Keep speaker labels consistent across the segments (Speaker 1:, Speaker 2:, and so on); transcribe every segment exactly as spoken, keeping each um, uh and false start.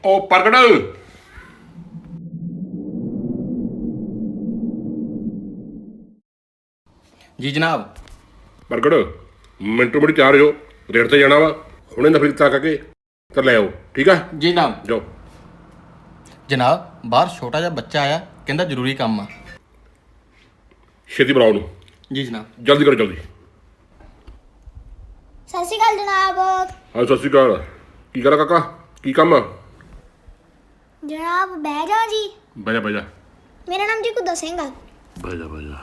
Speaker 1: ओ प्रगट
Speaker 2: जी जनाब।
Speaker 1: प्रगट मिनटों मिनट तैयार हो रेट से जाना वा हुणे नफरी ता करके तो ले आओ ठीक है
Speaker 2: जी जनाब।
Speaker 1: जाओ
Speaker 2: जनाब बाहर छोटा जिहा बच्चा आया कहंदा जरूरी काम आ।
Speaker 1: छेती बुलाओ ਉਹਨੂੰ
Speaker 2: जी जनाब।
Speaker 1: जल्दी करो जल्दी
Speaker 3: ਸਤਿ ਸ਼੍ਰੀ ਅਕਾਲ ਜਨਾਬ।
Speaker 1: हाँ सत श्री अकाल की करा काका की काम आ
Speaker 3: ਜਨਾਬ ਬਹਿ ਜਾ ਜੀ।
Speaker 1: बह जा बह जा
Speaker 3: ਮੇਰਾ ਨਾਮ ਜੀ ਕੁਦਾ ਸਿੰਘ ਆ।
Speaker 1: बह जा बह जा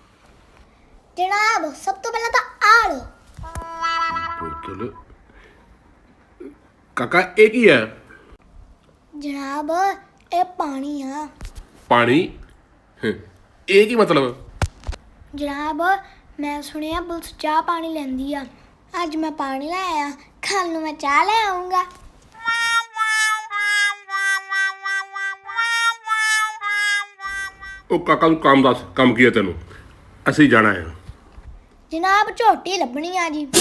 Speaker 3: ਜਨਾਬ ਸਭ ਤੋਂ ਪਹਿਲਾਂ ਤਾਂ ਆ ਲੋ।
Speaker 1: बोतल काका ये की है
Speaker 3: ਜਨਾਬ ਇਹ ਪਾਣੀ ਆ।
Speaker 1: पानी हं, ये की मतलब
Speaker 3: ਜਨਾਬ ਮੈਂ ਸੁਣਿਆ ਪੁਲਿਸ ਚਾਹ ਪਾਣੀ ਲੈਂਦੀ ਆ। ਅੱਜ ਮੈਂ ਪਾਣੀ ਲੈ ਆਇਆ, ਕੱਲ ਨੂੰ ਮੈਂ ਚਾਹ ਲੈ ਆਉਂਗਾ।
Speaker 1: ਉਹ ਕਾਕਾ ਨੂੰ ਕੰਮ ਦੱਸ ਕੰਮ ਕੀ ਹੈ ਤੈਨੂੰ ਅਸੀਂ ਜਾਣਾ ਹੈ
Speaker 3: ਜਨਾਬ ਝੋਟੀ ਲੱਭਣੀ ਆ ਜੀ।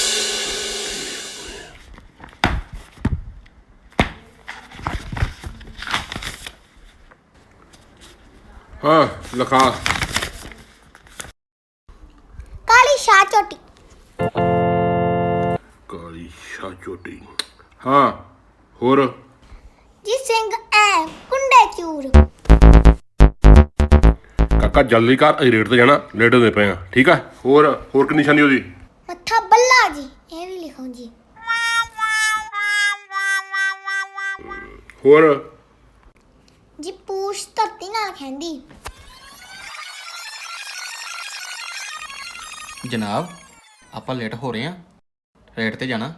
Speaker 1: ਹਾਂ ਲਿਖਾ
Speaker 3: ਕਾਲੀ ਸ਼ਾਹ ਝੋਟੀ।
Speaker 1: ਕਾਲੀ ਸ਼ਾਹ ਚੋਟੀ ਹਾਂ ਹੋਰ
Speaker 3: ਜੀ ਸਿੰਘ ਐ ਕੁੰਡੇ ਚੂਰ।
Speaker 1: ਕਾਕਾ ਜਲਦੀ ਕਰ ਅਸੀਂ ਰੇਟ ਤੇ ਜਾਣਾ ਲੇਟ ਹੁੰਦੇ ਪਏ ਆ ਠੀਕ ਆ ਹੋਰ ਹੋਰ ਕੀ ਨਿਸ਼ਾਨੀ ਉਹਦੀ
Speaker 3: ਮੱਥਾ ਬੱਲਾ ਜੀ ਇਹ ਵੀ ਲਿਖੋ ਜੀ।
Speaker 1: ਹੋਰ
Speaker 3: ਜੀ ਪੂਛ ਧਰਤੀ ਨਾਲ ਖੈਂਦੀ।
Speaker 2: जनाब ਆਪਾਂ ਲੇਟ ਹੋ ਰਹੇ ਹਾਂ ਰੇਟ ਤੇ ਜਾਣਾ।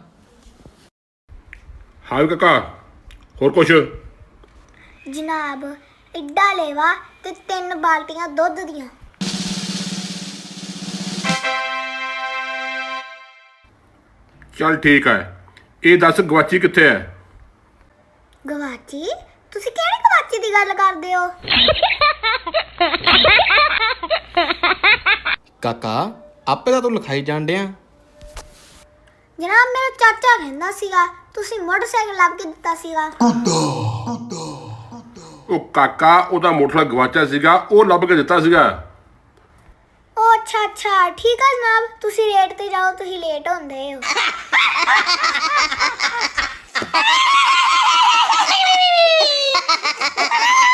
Speaker 1: ਹਾਂ ਵੀ ਕਾਕਾ ਹੋਰ ਕੁਛ
Speaker 3: ਜਨਾਬ ਇੱਡਾ ਲੇਵਾ ਤੇ ਤਿੰਨ ਬਾਲਟੀਆਂ ਦੁੱਧ ਦੀਆਂ।
Speaker 1: ਚੱਲ ਠੀਕ ਹੈ ਇਹ ਦੱਸ ਗਵਾਚੀ ਕਿੱਥੇ ਹੈ
Speaker 3: ਗਵਾਚੀ? ਤੁਸੀਂ ਕਿਹੜੀ ਗਵਾਚੀ ਦੀ ਗੱਲ ਕਰਦੇ ਹੋ?
Speaker 2: ਕਾਕਾ ਆਪੇ ਤਾਂ ਤੂੰ ਲਿਖਾਈ ਜਾਣ ਡਿਆ।
Speaker 3: ਜਨਾਬ ਮੇਰਾ ਚਾਚਾ ਕਹਿੰਦਾ ਸੀਗਾ ਤੁਸੀਂ ਮੋਟਰਸਾਈਕਲ ਲੱਭ ਕੇ ਦਿੱਤਾ ਸੀਗਾ।
Speaker 1: ਉਹ ਕਾਕਾ ਉਹਦਾ ਮੋਟਰਸਾਈਕਲ ਗਵਾਚਿਆ ਸੀਗਾ ਉਹ ਲੱਭ ਕੇ ਦਿੱਤਾ ਸੀਗਾ
Speaker 3: ਉਹ ਅੱਛਾ ਅੱਛਾ ਠੀਕ ਆ ਜਨਾਬ ਤੁਸੀਂ ਰੇਟ ਤੇ ਜਾਓ ਤੁਸੀਂ ਲੇਟ ਹੁੰਦੇ ਹੋ।